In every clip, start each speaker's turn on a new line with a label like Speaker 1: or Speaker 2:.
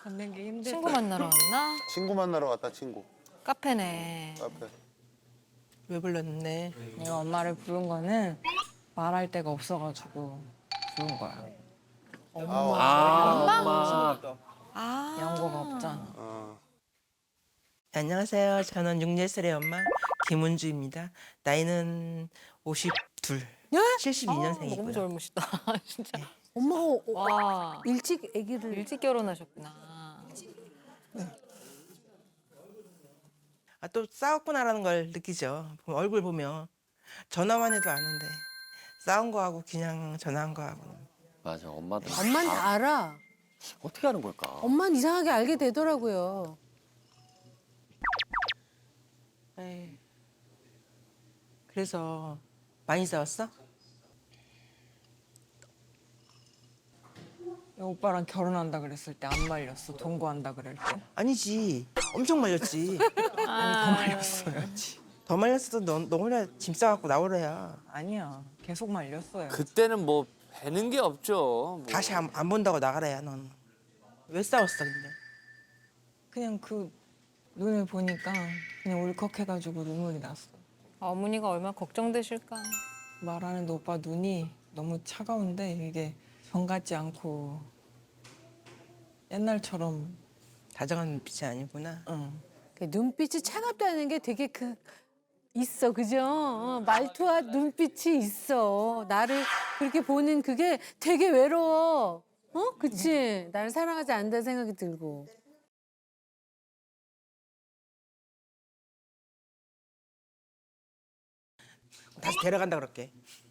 Speaker 1: 걷는 게 힘들다.
Speaker 2: 친구 만나러 왔나?
Speaker 3: 친구 만나러 갔다 친구.
Speaker 2: 카페네.
Speaker 3: 카페.
Speaker 4: 왜 불렀네?
Speaker 1: 내가 엄마를 부른 거는 말할 데가 없어가지고 부른 거야.
Speaker 2: 아.
Speaker 1: 연고가 없잖아.
Speaker 4: 안녕하세요. 저는 6예슬의 엄마 김은주입니다. 나이는 52, 72년생이고요.
Speaker 2: 너무 젊으시다. 진짜.
Speaker 5: 엄마가
Speaker 2: 와.
Speaker 5: 일찍 아기를
Speaker 2: 일찍 결혼하셨구나.
Speaker 4: 아, 또 싸웠구나라는 걸 느끼죠. 얼굴 보면 전화만 해도 아는데 싸운 거하고 그냥 전화한 거하고
Speaker 6: 맞아, 엄마도.
Speaker 5: 엄만 다 알아.
Speaker 6: 어떻게 하는 걸까?
Speaker 5: 엄만 이상하게 알게 되더라고요.
Speaker 4: 에이. 그래서 많이 싸웠어?
Speaker 1: 오빠랑 결혼한다 그랬을 때 안 말렸어. 동거한다 그럴 때.
Speaker 4: 아니지. 엄청 말렸지.
Speaker 1: 더 말렸어요.
Speaker 4: 더 말렸어도 너 혼자 짐 싸갖고 나오래야.
Speaker 1: 아니야. 계속 말렸어요.
Speaker 6: 그때는 뭐 배는 게 없죠. 뭐.
Speaker 4: 다시 안 본다고 나가래야 넌. 왜 싸웠어 근데?
Speaker 1: 그냥 그 눈을 보니까 그냥 울컥해가지고 눈물이 났어.
Speaker 2: 어머니가 얼마나 걱정되실까.
Speaker 1: 말하는데 오빠 눈이 너무 차가운데 이게 정 같지 않고 옛날처럼
Speaker 4: 다정한 눈빛이 아니구나.
Speaker 1: 응.
Speaker 5: 그 눈빛이 차갑다는 게 되게 있어, 그죠? 말투와 눈빛이 있어. 나를 그렇게 보는 그게 되게 외로워. 그치? 나를 사랑하지 않는다는 생각이 들고.
Speaker 4: 다시 데려간다 그럴게.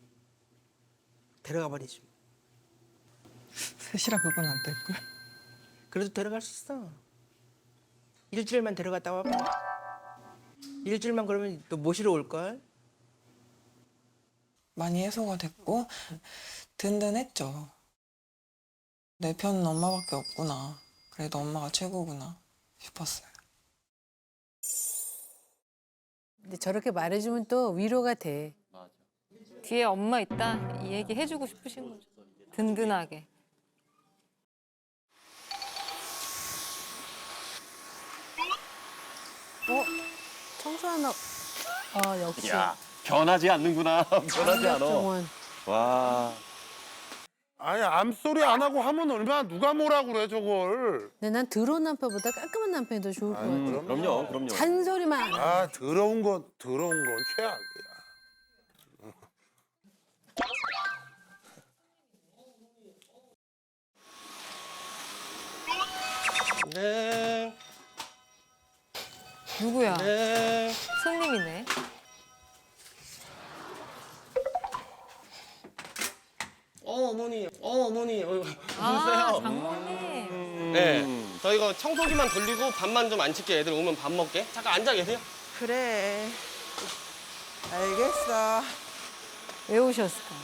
Speaker 4: 데려가 버리지.
Speaker 1: 셋이라 그건 안 될걸.
Speaker 4: 그래도 데려갈 수 있어. 일주일만 데려갔다 와봐. 일주일만 그러면 또 모시러 올걸?
Speaker 1: 많이 해소가 됐고 든든했죠. 내 편은 엄마밖에 없구나. 그래도 엄마가 최고구나 싶었어요.
Speaker 5: 근데 저렇게 말해주면 또 위로가 돼.
Speaker 2: 뒤에 엄마 있다. 이 얘기 해주고 싶으신 거죠. 든든하게.
Speaker 5: 청소하나. 역시.
Speaker 6: 야, 변하지 않는구나. 변하지 않아.
Speaker 5: 정원.
Speaker 6: 와.
Speaker 3: 아니 암소리 안 하고 하면 얼마나 누가 뭐라 그래 저걸.
Speaker 5: 근데 난 더러운 남편보다 깔끔한 남편이 더 좋을 것 같아.
Speaker 6: 그럼요, 그럼요.
Speaker 5: 잔소리만 안 해.
Speaker 3: 아 더러운 건 최악이야.
Speaker 4: 네.
Speaker 2: 누구야?
Speaker 4: 네.
Speaker 2: 손님이네.
Speaker 7: 어머니, 어머니,
Speaker 2: 아, 장모님.
Speaker 7: 네, 저희가 청소기만 돌리고 밥만 좀 안 칠게. 애들 오면 밥 먹게. 잠깐 앉아 계세요.
Speaker 4: 그래. 알겠어.
Speaker 2: 왜 오셨을까?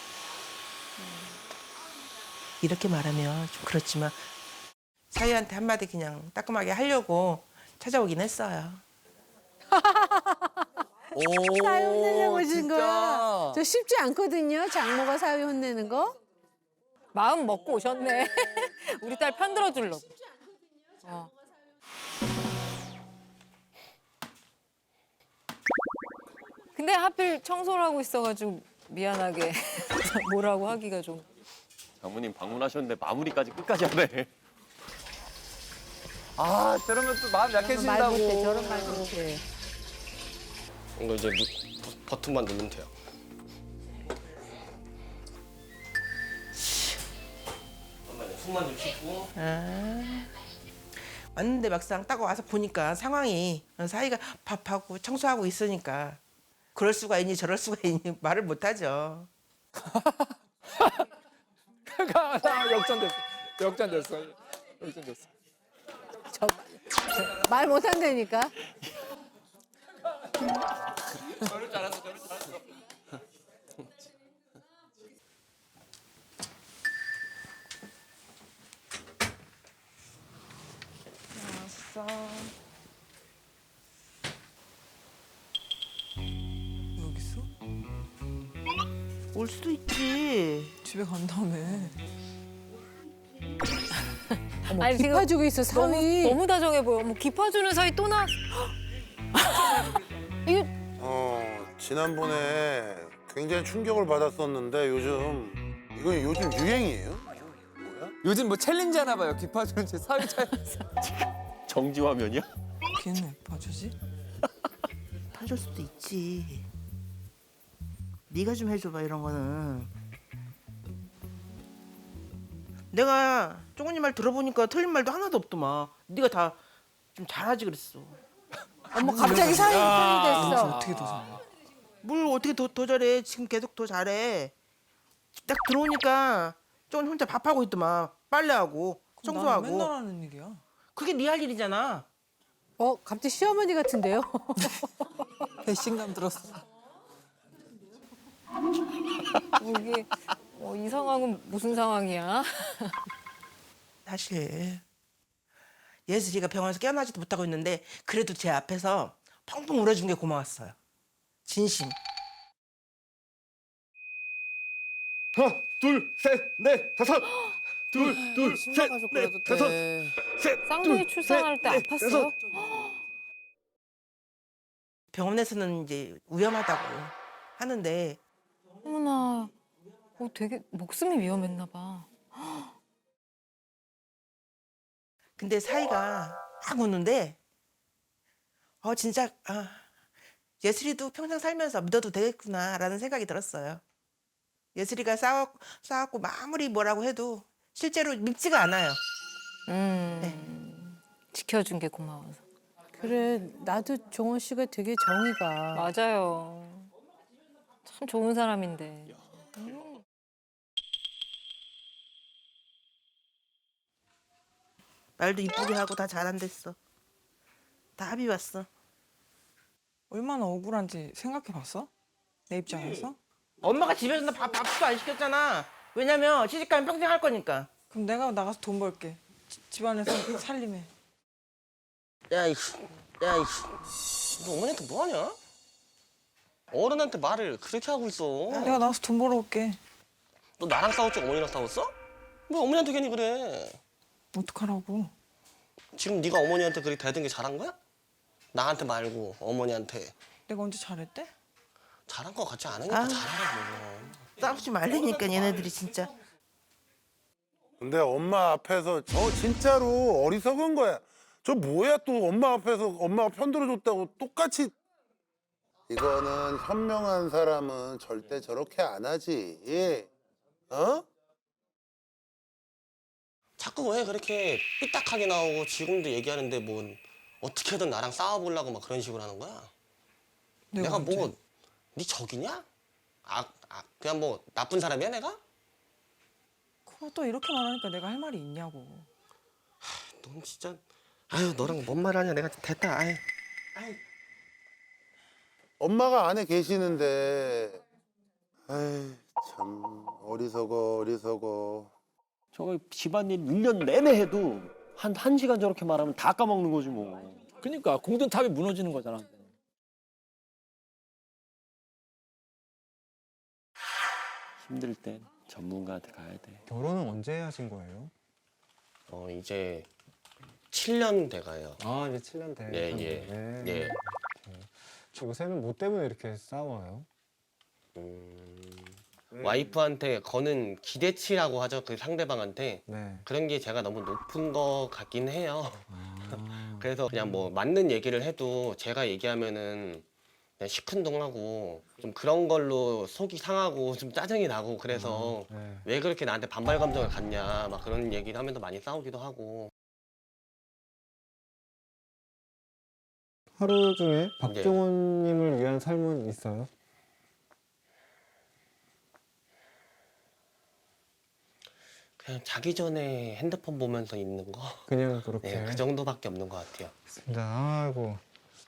Speaker 4: 이렇게 말하면 좀 그렇지만 사위한테 한마디 그냥 따끔하게 하려고 찾아오긴 했어요.
Speaker 5: 사위 혼내려고 오신 거야. 저 쉽지 않거든요. 장모가 사위 혼내는 거.
Speaker 2: 마음 먹고 오셨네. 우리 딸 편 들어주려고. 어. 근데 하필 청소를 하고 있어가지고 미안하게 뭐라고 하기가 좀.
Speaker 6: 장모님 방문하셨는데 마무리까지 끝까지 하네. 아, 저러면 또 마음
Speaker 5: 말
Speaker 6: 약해진다고.
Speaker 5: 못해. 저런 말 못해.
Speaker 7: 이거 이제 버튼만 누르면 돼요. 잠깐만요. 손만 좀 씻고.
Speaker 4: 왔는데 막상 딱 와서 보니까 상황이 사위가 밥하고 청소하고 있으니까 그럴 수가 있니 저럴 수가 있니 말을 못하죠.
Speaker 8: 역전됐어.
Speaker 5: 말 못한다니까.
Speaker 1: 왔어. 여기 있어?
Speaker 4: 올 수도 있지.
Speaker 1: 집에 간다며.
Speaker 2: 아니 지금
Speaker 5: 기파주고 있어 사위.
Speaker 2: 너무 다정해 보여. 뭐 기파주는 사이 또 나. 이거
Speaker 3: 지난번에 굉장히 충격을 받았었는데 이건 요즘 유행이에요? 뭐야?
Speaker 8: 요즘 뭐 챌린지 하나 봐요. 기파주는 제 사위 차이.
Speaker 6: 정지 화면이야?
Speaker 1: 걔는 왜 봐주지?
Speaker 9: 타줄 수도 있지. 네가 좀 해줘봐 이런 거는.
Speaker 4: 내가 쪼그니 말 들어보니까 틀린 말도 하나도 없더만. 네가 다 좀 잘하지 그랬어.
Speaker 5: 어머 갑자기 사위 편이 됐어.
Speaker 1: 어떻게 더 잘해?
Speaker 4: 뭘 어떻게 더 잘해. 지금 계속 더 잘해. 딱 들어오니까 쪼그니 혼자 밥하고 있더만. 빨래하고
Speaker 1: 그럼
Speaker 4: 청소하고.
Speaker 1: 나는 맨날 하는 일이야.
Speaker 4: 그게 네 할 일이잖아.
Speaker 5: 갑자기 시어머니 같은데요?
Speaker 1: 배신감 들었어.
Speaker 2: 이게 이 상황은 무슨 상황이야?
Speaker 4: 사실 예슬이가 병원에서 깨어나지도 못하고 있는데 그래도 제 앞에서 펑펑 울어준 게 고마웠어요. 진심.
Speaker 7: 하나, 둘, 셋, 넷, 다섯. 둘, 셋, 넷, 다섯. 셋,
Speaker 2: 쌍둥이 출산할 때 아팠어요?
Speaker 4: 병원에서는 이제 위험하다고 하는데
Speaker 2: 어머나. 되게 목숨이 위험했나 봐.
Speaker 4: 근데 사이가 막 우는데 진짜 예슬이도 평생 살면서 믿어도 되겠구나라는 생각이 들었어요. 예슬이가 싸웠고 아무리 뭐라고 해도 실제로 밉지가 않아요.
Speaker 2: 지켜준 게 고마워서.
Speaker 5: 그래 나도 종원 씨가 되게 정의가.
Speaker 2: 맞아요. 참 좋은 사람인데.
Speaker 4: 말도 이쁘게 하고 다 잘한댔어. 다 합의 왔어.
Speaker 1: 얼마나 억울한지 생각해봤어? 내 입장에서?
Speaker 4: 엄마가 집에서 나 밥도 안 시켰잖아. 왜냐면 시집가면 평생 할 거니까.
Speaker 1: 그럼 내가 나가서 돈 벌게. 집안에서 살림해.
Speaker 7: 야, 이씨. 너 어머니한테 뭐 하냐? 어른한테 말을 그렇게 하고 있어.
Speaker 1: 내가 나가서 돈 벌어 올게.
Speaker 7: 너 나랑 싸웠지 어머니랑 싸웠어? 왜 어머니한테 괜히 그래?
Speaker 1: 어떡하라고.
Speaker 7: 지금 네가 어머니한테 그렇게 대든 게 잘한 거야? 나한테 말고 어머니한테.
Speaker 1: 내가 언제 잘했대?
Speaker 7: 잘한 거 같지 않으니까 잘하라고.
Speaker 4: 싸우지 말라니까 얘네들이 진짜.
Speaker 3: 근데 엄마 앞에서 저 진짜로 어리석은 거야. 저 뭐야 또 엄마 앞에서 엄마가 편들어줬다고 똑같이. 이거는 현명한 사람은 절대 저렇게 안 하지. 어?
Speaker 7: 자꾸 왜 그렇게 삐딱하게 나오고 지금도 얘기하는데 뭐 어떻게든 나랑 싸워보려고 막 그런 식으로 하는 거야? 내가
Speaker 1: 언제?
Speaker 7: 뭐 네 적이냐? 그냥 뭐 나쁜 사람이야 내가?
Speaker 1: 그거 또 이렇게 말하니까 내가 할 말이 있냐고.
Speaker 7: 넌 진짜 아유 너랑 뭔 말하냐 내가 됐다. 아유.
Speaker 3: 엄마가 안에 계시는데. 아이 참 어리석어.
Speaker 6: 저거 집안일 1년 내내 해도 한 시간 저렇게 말하면 다 까먹는 거지 뭐.
Speaker 8: 그러니까 공든탑이 무너지는 거잖아.
Speaker 6: 힘들 땐 전문가한테 가야 돼.
Speaker 10: 결혼은 언제 하신 거예요?
Speaker 7: 이제 7년 돼가요.
Speaker 10: 아 이제 7년 돼.
Speaker 7: 예.
Speaker 10: 요새는 뭐 때문에 이렇게 싸워요?
Speaker 7: 와이프한테 거는 기대치라고 하죠. 그 상대방한테.
Speaker 10: 네.
Speaker 7: 그런 게 제가 너무 높은 것 같긴 해요. 그래서 그냥 뭐 맞는 얘기를 해도 제가 얘기하면은 그냥 시큰둥하고 좀 그런 걸로 속이 상하고 좀 짜증이 나고 그래서
Speaker 10: 네.
Speaker 7: 왜 그렇게 나한테 반발 감정을 갖냐 막 그런 얘기를 하면서 많이 싸우기도 하고.
Speaker 10: 하루 중에 박종원님을 위한 삶은 있어요?
Speaker 7: 그냥 자기 전에 핸드폰 보면서 있는 거.
Speaker 10: 그냥 그렇게.
Speaker 7: 네, 그 정도밖에 없는 것 같아요.
Speaker 10: 아이고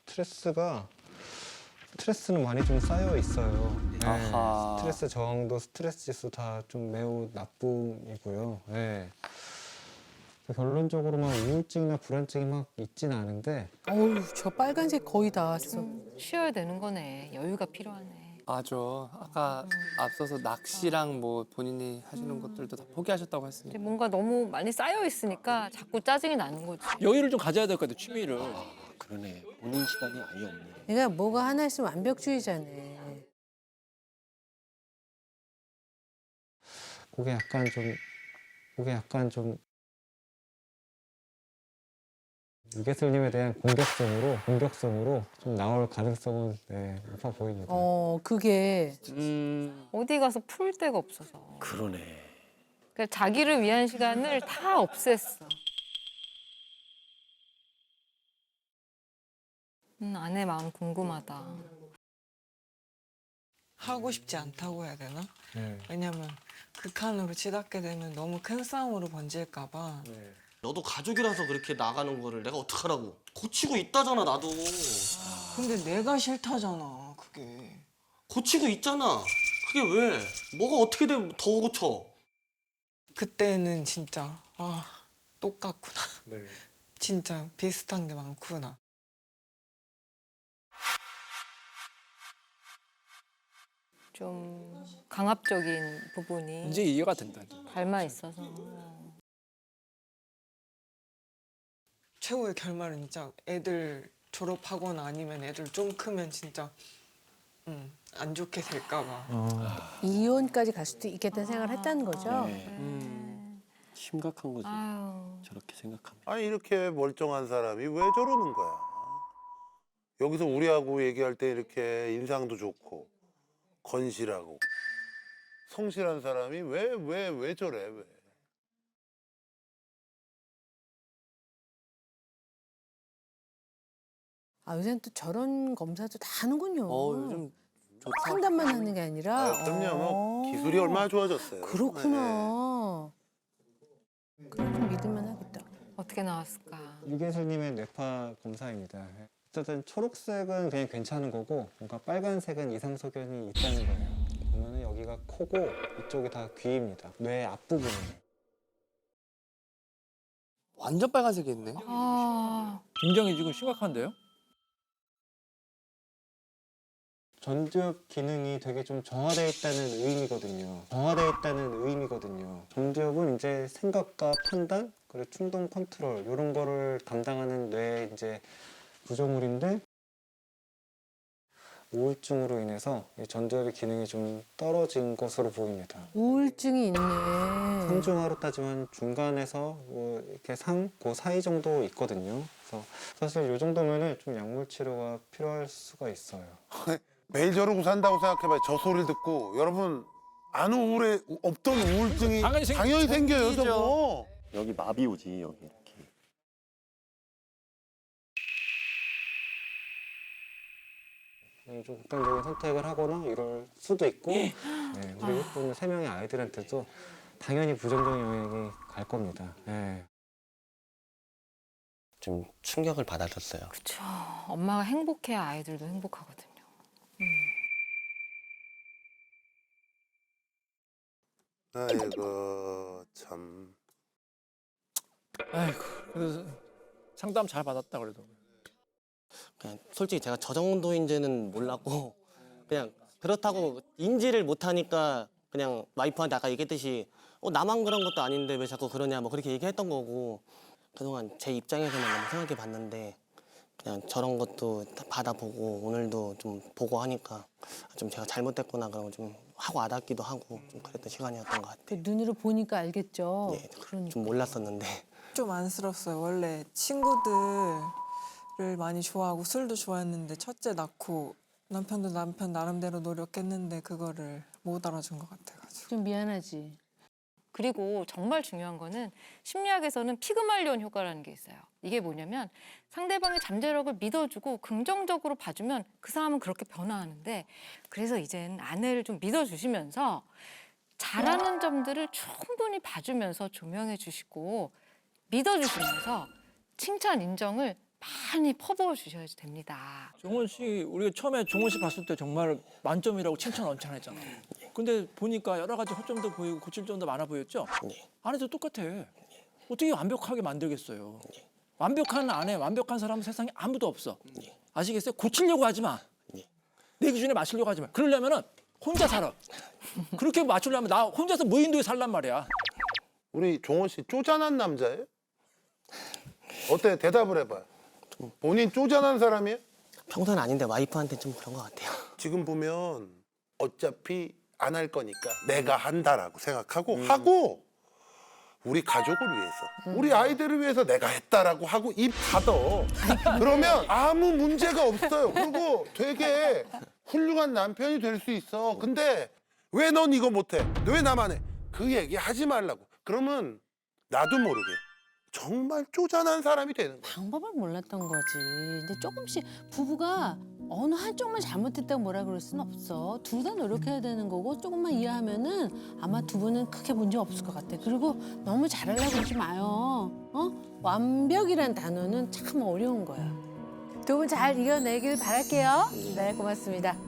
Speaker 10: 스트레스는 많이 좀 쌓여 있어요. 네,
Speaker 6: 아하.
Speaker 10: 스트레스 저항도 스트레스 지수 다 좀 매우 나쁨이고요. 네. 결론적으로 막 우울증이나 불안증이 막 있진 않은데
Speaker 5: 어우 저 빨간색 거의 다 왔어.
Speaker 2: 쉬어야 되는 거네. 여유가 필요하네.
Speaker 8: 맞아. 아까 앞서서 낚시랑 뭐 본인이 하시는 것들도 다 포기하셨다고 했으니까.
Speaker 2: 이제 뭔가 너무 많이 쌓여 있으니까 자꾸 짜증이 나는 거지.
Speaker 8: 여유를 좀 가져야 될 것 같아, 취미를.
Speaker 6: 그러네. 본인 시간이 아예 없네.
Speaker 5: 내가 뭐가 하나 있으면 완벽주의자네.
Speaker 10: 그게 약간 좀 유괴슬님에 대한 공격성으로 좀 나올 가능성은 높아 보입니다.
Speaker 5: 그게
Speaker 2: 어디 가서 풀 데가 없어서.
Speaker 6: 그러네.
Speaker 2: 그러니까 자기를 위한 시간을 다 없앴어. 아내 마음 궁금하다.
Speaker 1: 하고 싶지 않다고 해야 되나?
Speaker 10: 네.
Speaker 1: 왜냐면 극한으로 치닫게 되면 너무 큰 싸움으로 번질까 봐.
Speaker 7: 너도 가족이라서 그렇게 나가는 거를 내가 어떡하라고. 고치고 있다잖아, 나도.
Speaker 1: 근데 내가 싫다잖아, 그게.
Speaker 7: 고치고 있잖아. 그게 왜? 뭐가 어떻게 되면 더 고쳐?
Speaker 1: 그때는 진짜 똑같구나. 진짜 비슷한 게 많구나.
Speaker 2: 좀 강압적인 부분이
Speaker 8: 이제 이해가 된다.
Speaker 2: 닮아 있어서.
Speaker 1: 최후의 결말은 진짜 애들 졸업하거나 아니면 애들 좀 크면 진짜 안 좋게 될까 봐.
Speaker 5: 이혼까지 갈 수도 있겠다는 생각을 했다는 거죠.
Speaker 6: 심각한 거지.
Speaker 2: 아유.
Speaker 6: 저렇게 생각하면.
Speaker 3: 아니 이렇게 멀쩡한 사람이 왜 저러는 거야? 여기서 우리하고 얘기할 때 이렇게 인상도 좋고 건실하고 성실한 사람이 왜 저래 왜?
Speaker 5: 요새는 또 저런 검사도 다 하는군요.
Speaker 8: 요즘 좋다.
Speaker 5: 상담만 하는 게 아니라.
Speaker 3: 그럼요. 뭐 기술이 얼마나 좋아졌어요.
Speaker 5: 그렇구나. 그럼 좀 믿을만 하겠다.
Speaker 2: 어떻게 나왔을까?
Speaker 10: 유괴슬님의 뇌파 검사입니다. 어쨌든 초록색은 그냥 괜찮은 거고 뭔가 빨간색은 이상 소견이 있다는 거예요. 보면은 여기가 코고 이쪽이 다 귀입니다. 뇌 앞부분이에요.
Speaker 8: 완전 빨간색이 있네. 굉장히 지금 심각한데요?
Speaker 10: 전두엽 기능이 되게 좀 정화되어 있다는 의미거든요. 전두엽은 이제 생각과 판단, 그리고 충동 컨트롤 이런 거를 담당하는 뇌 이제 구조물인데 우울증으로 인해서 이 전두엽의 기능이 좀 떨어진 것으로 보입니다.
Speaker 5: 우울증이 있네.
Speaker 10: 상중하로 따지면 중간에서 뭐 이렇게 그 사이 정도 있거든요. 그래서 사실 이 정도면은 좀 약물 치료가 필요할 수가 있어요.
Speaker 3: 매일 저러고 산다고 생각해봐요. 저 소리를 듣고 여러분 없던 우울증이 당연히 생겨요. 저거.
Speaker 6: 여기 마비 오지 여기 이렇게.
Speaker 10: 좀 극단적인 선택을 하거나 이럴 수도 있고 우리 예쁜 3명의 아이들한테도 당연히 부정적인 영향이 갈 겁니다.
Speaker 7: 좀 충격을 받았었어요.
Speaker 2: 그쵸. 엄마가 행복해야 아이들도 행복하거든요.
Speaker 3: 아이고 참.
Speaker 8: 아이고, 그래서 상담 잘 받았다 그래도.
Speaker 7: 그냥 솔직히 제가 저 정도인지는 몰랐고 그냥 그렇다고 인지를 못하니까 그냥 와이프한테 아까 얘기했듯이 나만 그런 것도 아닌데 왜 자꾸 그러냐 뭐 그렇게 얘기했던 거고 그동안 제 입장에서만 너무 생각해 봤는데 그냥 저런 것도 다 받아보고 오늘도 좀 보고 하니까 좀 제가 잘못됐구나 그런 거 좀 하고 와닿기도 하고 좀 그랬던 시간이었던 것 같아요.
Speaker 5: 눈으로 보니까 알겠죠.
Speaker 7: 네,
Speaker 5: 그러니까.
Speaker 7: 좀 몰랐었는데
Speaker 1: 좀 안쓰럽어요. 원래 친구들을 많이 좋아하고 술도 좋아했는데 첫째 낳고 남편도 남편 나름대로 노력했는데 그거를 못 알아준 것 같아가지고.
Speaker 5: 좀 미안하지.
Speaker 2: 그리고 정말 중요한 거는 심리학에서는 피그말리온 효과라는 게 있어요. 이게 뭐냐면 상대방의 잠재력을 믿어주고 긍정적으로 봐주면 그 사람은 그렇게 변화하는데 그래서 이젠 아내를 좀 믿어주시면서 잘하는 점들을 충분히 봐주면서 조명해 주시고 믿어주시면서 칭찬, 인정을 많이 퍼부어 주셔야 됩니다.
Speaker 8: 종원 씨, 우리가 처음에 종원 씨 봤을 때 정말 만점이라고 칭찬 엄청 했잖아요. 근데 보니까 여러 가지 허점도 보이고 고칠 점도 많아 보였죠? 아내도 똑같아. 어떻게 완벽하게 만들겠어요? 완벽한 아내, 완벽한 사람은 세상에 아무도 없어. 아시겠어요? 고치려고 하지 마. 내 기준에 맞추려고 하지 마. 그러려면은 혼자 살아. 그렇게 맞추려면 나 혼자서 무인도에 살란 말이야.
Speaker 3: 우리 종원 씨 쪼잔한 남자예요? 어때? 대답을 해봐요. 본인 쪼잔한 사람이에요?
Speaker 7: 평소는 아닌데 와이프한테 좀 그런 것 같아요.
Speaker 3: 지금 보면 어차피 안 할 거니까 내가 한다라고 생각하고 하고 우리 가족을 위해서 우리 아이들을 위해서 내가 했다라고 하고 입 닫어. 그러면 아무 문제가 없어요. 그리고 되게 훌륭한 남편이 될 수 있어. 근데 왜 넌 이거 못해? 왜 나만 해? 그 얘기 하지 말라고. 그러면 나도 모르게 정말 쪼잔한 사람이 되는 거야.
Speaker 5: 방법을 몰랐던 거지. 근데 조금씩 부부가 어느 한쪽만 잘못했다고 뭐라 그럴 수는 없어. 둘 다 노력해야 되는 거고 조금만 이해하면은 아마 두 분은 크게 문제 없을 것 같아. 그리고 너무 잘하려고 그러지 마요. 완벽이란 단어는 참 어려운 거야. 두 분 잘 이겨내길 바랄게요. 네, 고맙습니다.